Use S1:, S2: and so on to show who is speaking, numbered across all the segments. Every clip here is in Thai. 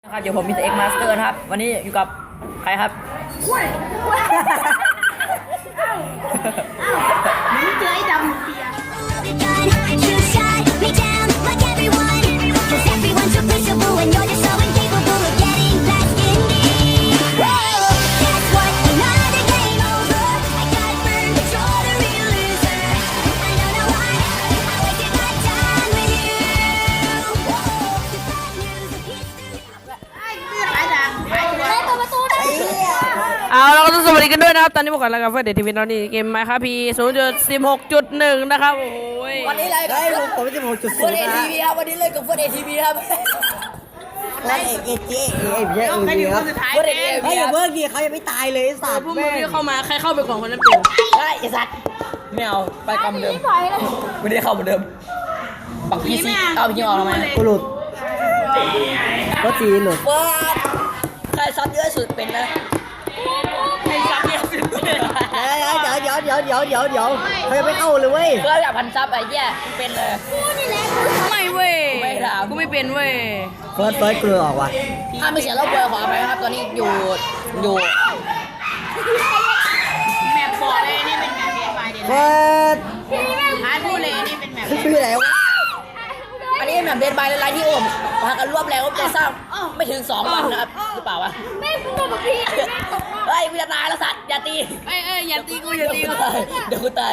S1: ครับเดี๋ยวผมมีเอ็กมาสเตอร์นะครับวันนี้อยู่กับใครครับ
S2: มึงเจอไอ้ดำเปีย
S3: เอาเราก็ต้องสวัสดีกันด้วยนะครับตอนนี้พวกเรากับเฟอร์เดททีวีตอนนี้เกมไมค์ครับพี0.16.1นะครับโอ้ย
S1: วันนี้เลยกับผมจะบอกจุดเฟิร์สเอทีวีครับวันนี้เลยกับเฟิร์สเอทีวีครับ
S4: ไอ้เอเจเอเจครับ
S1: เฟิร์สเอที
S4: ไอ้
S1: วี
S4: อย่าเพิ่งกี่เขายังไม่ตายเลยสัตว์
S3: พวกมึงที่เข้ามาใครเข้าไปก่อนคนนั้นเป็น
S1: ได้ไอ้สัตว์ไม่เอาไปกำเดิมไม่ได้เข้าเหมือนเดิมปักพีซีเอาพี่ออกทำไม
S4: กูหลุดก็จีหลุด
S1: เฟิร์สใครซัดเยอะสุดเป็นนะใครซัดเยอะสุด
S4: เดี๋ยวเขายังไม่เข้าเลยเว้ย
S1: เฟิร์สแบบพันซับไอ้แย่เป็นเลย
S3: ไม่เว้ย
S1: ไม่ถาม
S3: กูไม่เป็นเว้ย
S4: เฟิร์สเกลือออกว่ะ
S1: ถ้าไม่เสียรอบเบอร์ขออภัยครับตอนนี้อยู่
S2: แมปบอกเลยนี่เป็นแมปเดนไฟเดน
S4: เฟิร์ส
S2: ฮาร์ดพูดเลยนี่เป็นแมป
S4: ชื่ออะไรวะ
S1: อันนี้แบบเดนบายไลน์ที่โอมมากันรวบแล้วจะสร้างไม่ถึง2 วันนะครับหรือเปล่าวะเฮ้ยกูจะตายแล้วสัตว์อย่าตี
S3: เอ้ยอย่าตีกูอย่าตีกู
S1: เดี๋ยวกูตาย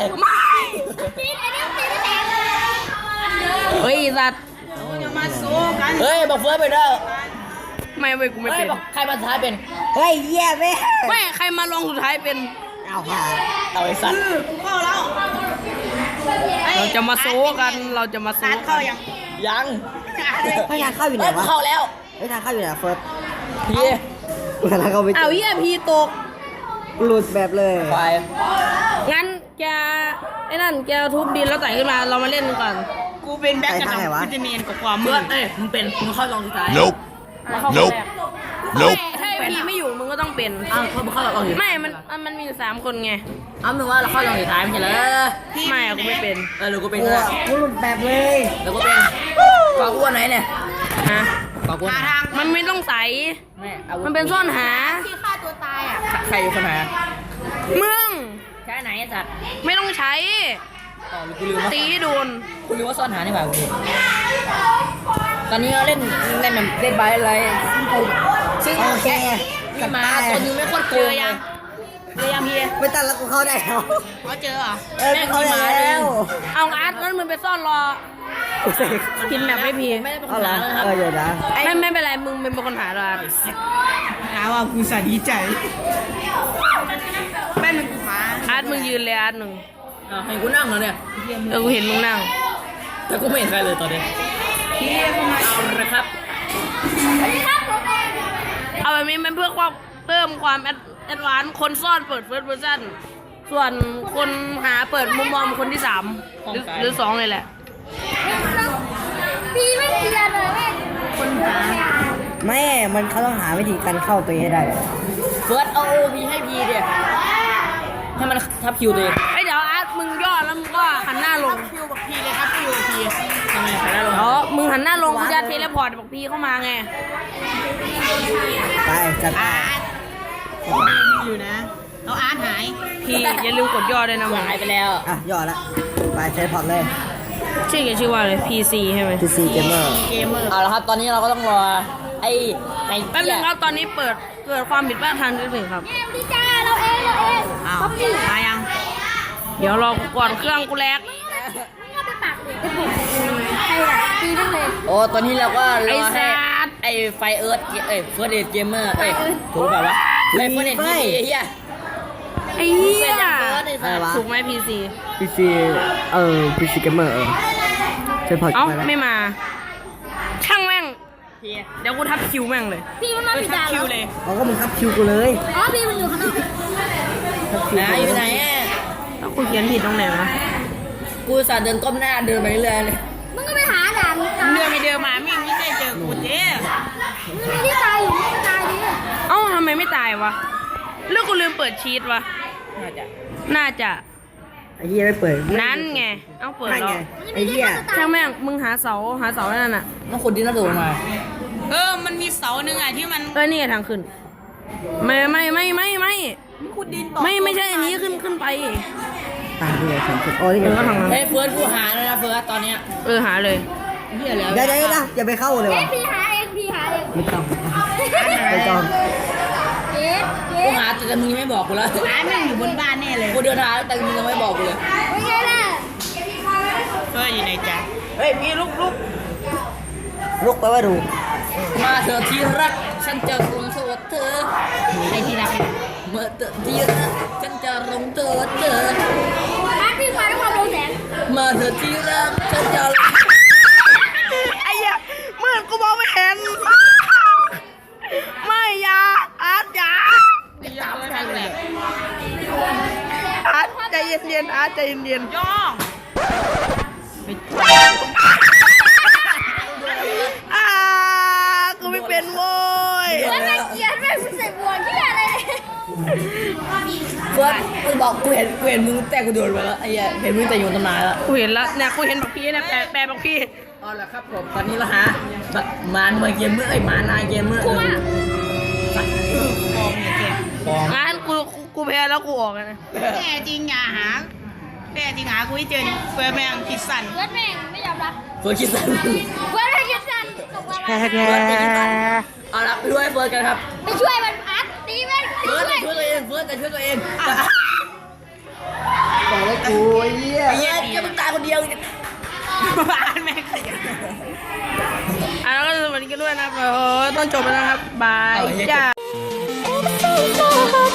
S3: เฮ้ยสัตว์
S2: จะมาสู้กัน
S1: เฮ้ยบอกเฟิร์สไปเด้อ
S3: ไม่เว้ยกูไม่
S1: เฮ้
S3: เป็
S1: ย
S3: น
S1: บอกใครมาท้ายเป็น
S4: เฮ้ยแย่แม่
S3: ไม่ใครมาลองสุดท้ายเป็น
S4: เอาค่ะ
S1: เอาไอ้สัตว์
S2: กูเข้าแล้ว
S3: เราจะมาโซกันเราจะมาโซ
S2: ฮาร์ดเข้ายัง
S1: ยัง
S4: ให้ทางเข้าอยู่ไหน
S1: เฮ้ยกู
S4: วะ
S1: เข้าแล้ว
S4: ให้ทางเข้าอยู่ไหนเฟิร์ส
S1: พี่
S4: กูกำลังเข้าไป
S3: เอาเหี้ยพีตก
S4: หลุดแบบเลย
S1: ไป
S3: งั้นแกไอ้นั่นแกทุบดินแล้วไต่ขึ้นมาเรามาเล่นกันก่อน
S2: กูเป็นแบ็คกระดองกูจะเนียนกว่าความมื
S1: เฟิร์
S2: ด
S1: สเอ้ยมึงเป็นมึงเข้าลองสุดท้าย
S5: Nope.
S3: มาเข้าคน
S5: Nope
S3: แรก
S5: Nope
S3: ถ้าไอ้พีไม่อยู่มึงก็ต้องเป็น
S1: อ้าวมึงเข้าลองสุดท้าย
S3: ไม่มันมีอยู่3 คนไง
S1: อ้าวมึงว่าเราเข้าลองสุดท้ายไม่ใช่เหรอ
S3: ไม่อะกูไม่เป็น
S1: เออหรือกูเป็น
S4: กู
S1: เถอะ
S4: กูหลุดแบบเลย
S1: แล้วกูเป็นกออ้วนไหนเนี่ย
S3: ฮะ
S1: กออ้วน
S2: หาทาง
S3: มันไม่ต้องใส
S1: แม่อาวุธ
S3: มันเป็นซ่อนหา
S2: ที่ฆ่าตัวตายอ่ะ
S1: ใครอยู่คนหา
S3: มึง
S1: ใช้ไหนไอ้สัตว์
S3: ไม่ต้องใช้
S1: อ๋อกูลืมว่า
S3: ตีให้โดน
S1: กูลืมว่าซ่อนหานี่หว่ากูตอนนี้เราเล่นแบบเล่นบายอะไรซึ่ง
S4: โอเค
S1: มีมาตัวนึงไม่โคตรโกงเลยเรียมพี่
S4: ไม่ตันแล้วกูเข้าได้แล้ว
S2: เขาเจอเหรอ
S4: กูเข้าได้แล้ว
S3: เอาอาร์ตงั้นมึงไปซ่อนรอพินแบบไม่พี
S1: ไม่ได้เป็นค
S4: เอา
S1: น
S4: ละ
S1: หาเลยครับ
S4: เดี๋ยวนะ
S3: ไม่เป็นไรมึงเป็นคนหาเรา
S2: หาว่ากูสาดีใจแม่เป็นกูหา
S3: อาร์ตมึงยืนเลยอาร์ตหนึ่ง
S1: เห็นกูนั่งเหรอเนี่ย
S3: กูเห็นมึงนั่ง
S1: แต่กูไม่เห็นใครเลยตอนนี้เอาละครับ
S3: เอาแบบนี้มันเพื่อความเพิ่มความแอดวานซ์คนซ่อนเปิดเฟิร์สเวอร์ชันส่วนคนหาเปิดมุมมองคนที่3หรือ2เลยแหละ
S2: พี่ไม่เกียร์เลยคนหา
S4: แม่มันเขาต้องหาวิธีการเข้าตัวเองให้ได้
S1: เฟิร์สเอาโอพีให้พีเดียให้มันทับคิวตัวเอง
S3: ไอ้เดี๋ยวอาร์ตมึงย่อแล้วมึงก็หันหน้าลง
S2: คิวบอกพี่เลยครับคิวพี่
S1: ทำไมใครได้ลง
S3: อ๋อมึงหันหน้าลงกูจะเทเลพอร์ตบอกพี่เข้ามาไง
S4: ไปจัดไป
S2: อยู่นะเอาอาร์ตหาย
S3: พี่อย่าลืมกดย่อด้วยนะมึง
S1: หายไปแล้ว
S4: อ่ะย่อละไปใช้พอร์ตเลย
S3: ชื่อแกชื่อว่าอะไร PC ใช่ไหม
S4: PC Gamer
S2: เกมเมอร์
S1: เอาละครับตอนนี้เราก็ต้องรอไอ้
S3: แป๊บนึงครับตอนนี้เกิดความผิดพลาดทางเทคนิคครับ
S2: อ้าวมายัง
S3: เดี๋ยวรอก่อนเครื่องกูแลก
S1: โอ้ตอนนี้เราก็ร
S3: ไอ้
S1: อให้
S3: สัตว์
S1: ไอ้ไฟเอิร์ธเฟิร์สเดทเกมเมอร์ถูกเปล่าวะไอ้เฟิร์สเดทพีเฮีย
S3: ไอ้เหี้ย
S4: อะไรวะ
S3: ถูกไหม PC
S4: PC PC Gamer ใช้พอร์ต
S3: เอ้า
S4: ไปแล้ว
S3: ไม่มา ช่างแม่งเดี๋ยวกูทับคิวแม่งเลย
S2: พี่มันมาผิดด่านคิวเลย
S4: เขาก็มึงทับคิวกูเลย
S2: อ๋อพี่มันอยู่ข้างนอก
S4: ทับคิว
S1: นะอยู่ไหนอ่ะ
S3: แล้วกูเขียนผิดตรงไหนวะ
S1: กูสาเดินก้มหน้าเดินไปเรื่อยเลย
S2: มึงก็ไปหาด่าน
S3: เรือไม่เดินมามิ่งไม่ได้เจอกูเจ๊
S2: มึงไม่ได้ตายอยู่ไม่ได้ตายดิ
S3: เอ้าทำไมไม่ตายวะเรื่องกูลืมเปิดชีตวะ น่าจะ
S4: ไอ้เหี้ยไม่เปิด
S3: นั่นไง เอ้าเปิด
S4: นั่น
S3: แล้
S4: ไง
S3: ว
S4: ไอ้เหี้ย
S3: ช่างแม่งมึงหาเสานั่นน่ะ
S1: ต้องขุดดินแล้วโดดมา
S2: มันมีเสาหนึ่งอ่ะที่มัน
S3: นี่ทางขึ้นไม่ใช่อันนี้ขึ้นไป
S4: ตาด้วยสองคนโอ้ยนี่ไง
S3: ก็ทางนั้น
S1: เฮ้ยเฟิร์สกูหาแล้วนะเฟิร์สตอนเนี้ย
S3: หาเลย
S1: เหี้ยแล้ว
S4: เดี๋ยวนะอย่าไปเข้าเลย
S5: เอ๊ะ
S4: ว่ะ
S5: พี่หาเองพี่หาเอง
S4: ไม่ต้องไม่ต้อง
S5: เอ๊ะ
S1: กูหาแต่มึงยังไม่บอกกูแล้ว
S2: อาร์ตแม่งอยู่บนบ้านแน่เลย
S1: กูเดินหาแต่มึงยังไม่บอกกูเลย
S5: เป็นไงล่ะ
S2: เฟิร์สอยู่ไหนจ๊ะ
S1: เฮ้ยพี่ลุก
S4: ลุกไปว่าดู
S1: มาเถอะที่รักฉันจะลงโทษเธอ
S2: ไอ้ที่รัก
S1: เมื่อเธอที่รักฉันจะลงโทษเธอ
S5: อาร์ตพี่มาด้วยความรู้แสง
S1: มาเถอะที่รักฉันจะ
S3: ไอ้เหี้ยมืดกูมองไม่เห็น ไม่อยาอาร์ตอยา
S1: ตามไม่ทันเลย
S3: อาร์ตใจเย็นๆอาร์ตใจเย็นๆ
S2: ย่อง
S3: กูไม่เป็นโว้ย
S5: แล้วแม่เกลียดแม่ใส่บวกที่อะไรเนี่ย
S1: เฟิร์สมึงบอกกูเห็นมึงแต่กูโดนไปแล้วไอ้เหี้ยเห็นมึงแต่อยู่ตำนานแล้ว
S3: กูเห็นแล้วเนี่ยกูเห็นบักพี่เนี่ยแปลบักพี่
S1: เอาละครับผมตอนนี้เราหาแบบมานเกมเมื่อมานายเกมเมื่อ
S3: งั้นกูแพ้แล้วกูออกนะ
S2: แน่จริงอย่าหาแน่จริงหากูให้เจอดิเฟิร์สแม่งคิดสั่น
S5: เพื่อนแม่งไม่ยอมรับ
S1: เฟิร์สคิดสั้น
S5: เพื่อนแม่งคิดสั้นตกมา
S4: แค่
S5: ว่า
S4: แค่
S1: เอาละไปด้วยเฟิร์สกันครับ
S5: ไปช่วยมันอาร์ตตีแม่ง
S1: เฟิร์ส
S5: ช่วย
S1: ช่วยตัวเองเฟิร์สแต่ช่วยตัวเอง
S4: บอกแล้วกูไอ้เหี้ย
S1: ไอ้เหี้ยจะมึงตายคนเดียว
S2: บ้านแม่งขยัน
S3: แล้วก็สวัสดีกันด้วยนะครับต้องจบแล้วนะครับบายจ้า
S5: โอ้โห